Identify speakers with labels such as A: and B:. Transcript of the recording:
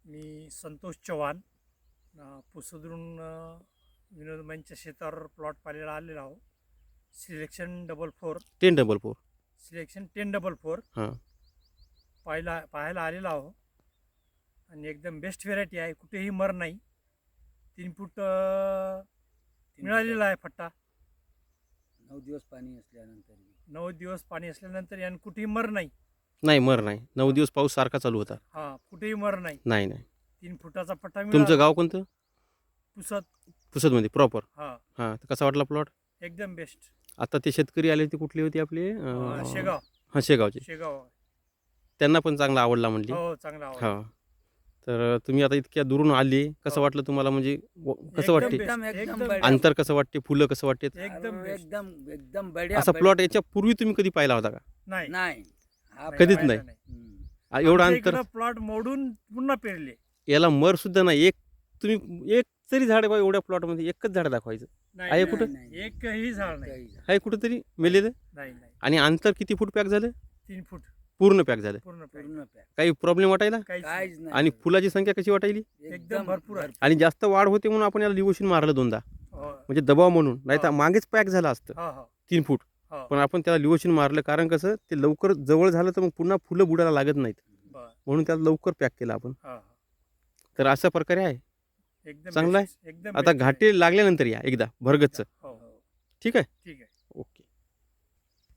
A: मी संतोष चव्हाण पुसदरून विनोदमांच्या शेतावर प्लॉट पाहायला आलेलो आहो. सिलेक्शन 444
B: 1044
A: सिलेक्शन 1044
B: हां
A: पाहायला आलेलो आहो. आणि एकदम बेस्ट व्हेरायटी आहे, कुठेही मर नाही. 3 फूट मिळालेला आहे फट्टा.
C: 9 दिवस पाणी असल्यानंतर
A: 9 दिवस पाणी असल्यानंतर यानं कुठेही मर नाही.
B: नाही मर नाही 9 दिवस पाऊस सारखा चालू होता.
A: हा, कुठेही मर नाही.
B: नाही नाही
A: 3 फुटाचा पट्टा
B: तुमचं
A: मिळाला.
B: गाव कोणतं?
A: पुसद.
B: पुसदमध्ये प्रॉपर.
A: हा,
B: हां तर कसा वाटला प्लॉट?
A: एकदम बेस्ट.
B: आता ते शेतकरी आले ते कुठले होते आपले?
A: शेगाव.
B: हां शेगावचे.
A: शेगाव.
B: त्यांना पण चांगला आवडला म्हणली.
A: हो, चांगला आवडला.
B: हां तर तुम्ही आता इतक्या दुरून आले, कसं
A: हो.
B: वाटलं तुम्हाला? म्हणजे कसं
A: एकदम
B: वाटते?
A: best.
C: एकदम
A: एकदम
B: अंतर कसं वाटते? फुलं कसं वाटते?
A: एकदम best.
C: एकदम एकदम बढिया
B: असा
C: बढिया.
B: प्लॉट याच्या पूर्वी तुम्ही कधी पाहिला होता का?
A: नाही,
C: नाही हा
B: कधीच
C: पाहिला
B: नाही.
C: हम्म.
B: एवढं
A: आमच्या
B: अंतर?
A: इकडं प्लॉट मोडून पुन्हा पेरले.
B: याला मर सुद्धा नाही. तुम्ही एक तरी झाड बा एवढ्या प्लॉटमध्ये एकच झाड दाखवायचं
A: नाही,
B: आहे
A: नाही,
B: कुठं?
A: नाही. एकही झाड नाही.
C: काही झाड.
B: आहे कुठंतरी मेलेलं?
A: नाही, नाही.
B: आणि अंतर किती फूट पॅक झालं?
A: 3 फूट
B: पूर्ण पॅक झालं.
A: पूर्ण pack.
C: पूर्ण पॅक.
B: काही प्रॉब्लेम वाटायला?
A: काहीच
C: काहीच नाही.
B: आणि फुलाची संख्या कशी वाटायली?
A: एकदम भरपूर आहे.
B: आणि जास्त वाढ होते म्हणून आपण याला लिवोशिन मारलं 2दा,
A: हो,
B: म्हणजे दबाव म्हणून. नाही तर
A: हा.
B: मागेच पॅक झालं असतं
A: हो, हो,
B: 3 फूट.
A: हो.
B: पण आपण त्याला लिवोशिन मारलं, कारण कसं ते लवकर जवळ झालं तर मग पुन्हा फुलं बुडायला लागत नाहीत,
A: बरं.
B: म्हणून त्याला लवकर पॅक केलं आपण.
A: हो, हो.
B: तर अशा प्रकारे आहे.
A: एकदम
B: चांगलं आहे.
A: best. एकदम
B: आता
A: best आहे.
B: घाटे लागल्यानंतर या एकदा भरगतचं.
A: हो, हो.
B: ठीक आहे.
A: ठीक आहे.